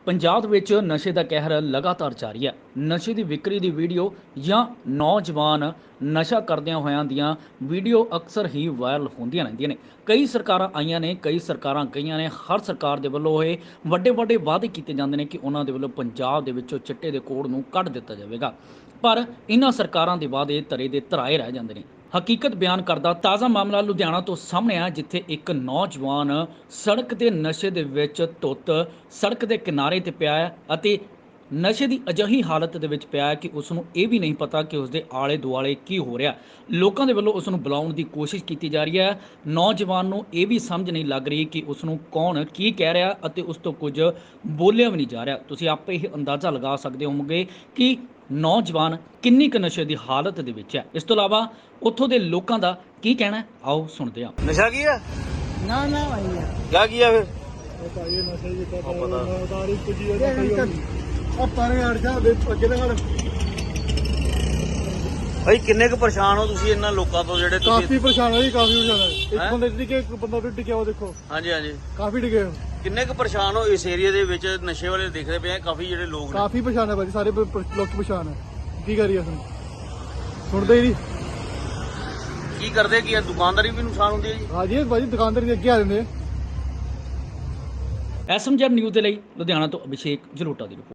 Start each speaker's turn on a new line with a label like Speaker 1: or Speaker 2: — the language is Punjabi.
Speaker 1: ਪੰਜਾਬ ਦੇ ਵਿੱਚ ਨਸ਼ੇ ਦਾ ਕਹਿਰ ਲਗਾਤਾਰ ਜਾਰੀ ਹੈ। ਨਸ਼ੇ ਦੀ ਵਿਕਰੀ ਦੀ ਵੀਡੀਓ ਜਾਂ ਨੌਜਵਾਨ ਨਸ਼ਾ ਕਰਦਿਆਂ ਹੋਇਆਂ ਦੀਆਂ ਵੀਡੀਓ ਅਕਸਰ ਹੀ ਵਾਇਰਲ ਹੁੰਦੀਆਂ ਰਹਿੰਦੀਆਂ ਨੇ। ਕਈ ਸਰਕਾਰਾਂ ਆਈਆਂ ਨੇ, ਕਈ ਸਰਕਾਰਾਂ ਗਈਆਂ ਨੇ। ਹਰ ਸਰਕਾਰ ਦੇ ਵੱਲੋਂ ਇਹ ਵੱਡੇ ਵਾਅਦੇ ਕੀਤੇ ਜਾਂਦੇ ਨੇ ਕਿ ਉਹਨਾਂ ਦੇ ਵੱਲੋਂ ਪੰਜਾਬ ਦੇ ਵਿੱਚੋਂ ਚਿੱਟੇ ਦੇ ਕੋੜ ਨੂੰ ਕੱਢ ਦਿੱਤਾ ਜਾਵੇਗਾ, ਪਰ ਇਹਨਾਂ ਸਰਕਾਰਾਂ ਦੇ ਵਾਅਦੇ ਧਰੇ ਦੇ ਧਰਾਏ ਰਹਿ ਜਾਂਦੇ ਨੇ। ਹਕੀਕਤ ਬਿਆਨ ਕਰਦਾ ਤਾਜ਼ਾ ਮਾਮਲਾ ਲੁਧਿਆਣਾ ਤੋਂ ਸਾਹਮਣੇ ਆ, ਜਿੱਥੇ ਇੱਕ ਨੌਜਵਾਨ ਸੜਕ ਦੇ ਨਸ਼ੇ ਦੇ ਵਿੱਚ ਧੁੱਤ ਸੜਕ ਦੇ ਕਿਨਾਰੇ ਤੇ ਪਿਆ ਹੈ ਅਤੇ ਨਸ਼ੇ ਦੀ ਅਜਿਹੀ ਹਾਲਤ ਦੇ ਵਿੱਚ ਪਿਆ ਹੈ ਕਿ ਉਸ ਨੂੰ ਇਹ ਵੀ ਨਹੀਂ ਪਤਾ ਕਿ ਉਸ ਦੇ ਆਲੇ ਦੁਆਲੇ ਕੀ ਹੋ ਰਿਹਾ। ਲੋਕਾਂ ਦੇ ਵੱਲੋਂ ਉਸ ਨੂੰ ਬੁਲਾਉਣ ਦੀ ਕੋਸ਼ਿਸ਼ ਕੀਤੀ ਜਾ ਰਹੀ ਹੈ। ਨੌਜਵਾਨ ਨੂੰ ਇਹ ਵੀ ਸਮਝ ਨਹੀਂ ਲੱਗ ਰਹੀ ਕਿ ਉਸ ਨੂੰ ਕੌਣ ਕੀ ਕਹਿ ਰਿਹਾ ਅਤੇ ਉਸ ਤੋਂ ਕੁਝ ਬੋਲਿਆ ਵੀ ਨਹੀਂ ਜਾ ਰਿਹਾ। ਤੁਸੀਂ ਆਪੇ ਹੀ ਅੰਦਾਜ਼ਾ ਲਗਾ ਸਕਦੇ ਹੋਵੋਗੇ ਕਿ ਨੌਜਵਾਨ ਕਿੰਨੀ ਕੁ ਨਸ਼ੇ ਦੀ ਹਾਲਤ ਦੇ ਵਿੱਚ ਹੈ। ਇਸ ਤੋਂ ਇਲਾਵਾ ਉੱਥੋਂ ਦੇ ਲੋਕਾਂ ਦਾ ਕੀ ਕਹਿਣਾ ਹੈ, ਆਓ ਸੁਣਦੇ ਹਾਂ।
Speaker 2: नशा किया
Speaker 3: ना ना भैया
Speaker 2: क्या किया फिर
Speaker 3: बताइए नशे की
Speaker 2: हाँ, पता।
Speaker 3: तारीख कुछ अब पानी हट जा ਅੱਗੇ ਤਾਂ
Speaker 2: भाई किन्ने क परेशान हो ਤੁਸੀਂ ਇਹਨਾਂ ਲੋਕਾਂ ਤੋਂ ਜਿਹੜੇ
Speaker 3: ਕਾਫੀ ਪਰੇਸ਼ਾਨ ਹੈ ਜੀ, ਕਾਫੀ ਪਰੇਸ਼ਾਨ ਹੈ। ਇੱਕ
Speaker 2: ਹੈਂ?
Speaker 3: ਬੰਦੇ ਦੀ ਕਿ ਇੱਕ ਬੰਦਾ ਵੀ ਡਿੱਗਿਆ, ਉਹ ਦੇਖੋ
Speaker 2: ਹਾਂਜੀ ਹਾਂਜੀ
Speaker 3: ਕਾਫੀ ਡਿੱਗੇ ਹੋ।
Speaker 2: ਕਿੰਨੇ ਕ ਪਰੇਸ਼ਾਨ ਹੋ ਇਸ ਏਰੀਆ ਦੇ ਵਿੱਚ ਨਸ਼ੇ ਵਾਲੇ ਦੇਖਦੇ ਪਏ ਆ ਕਾਫੀ ਜਿਹੜੇ ਲੋਕ ਨੇ
Speaker 3: ਕਾਫੀ ਪਰੇਸ਼ਾਨ ਹੈ ਭਾਜੀ, ਸਾਰੇ ਲੋਕ ਪਰੇਸ਼ਾਨ ਹੈ। ਕੀ ਕਰੀਏ ਅਸੀਂ, ਸੁਣਦੇ ਹੀ ਨਹੀਂ।
Speaker 2: ਕੀ ਕਰਦੇ ਕੀ ਆ ਦੁਕਾਨਦਾਰੀ ਵੀ ਨੁਕਸਾਨ ਹੁੰਦੀ ਹੈ ਜੀ।
Speaker 3: ਹਾਂਜੀ ਭਾਜੀ, ਦੁਕਾਨਦਾਰ ਅੱਗੇ ਆ ਜਾਂਦੇ।
Speaker 1: ਐਸਐਮਜੈਡ ਨਿਊਜ਼ ਦੇ ਲਈ ਲੁਧਿਆਣਾ ਤੋਂ ਅਭਿਸ਼ੇਕ ਜਲੋਟਾ ਦੀ ਰਿਪੋਰਟ।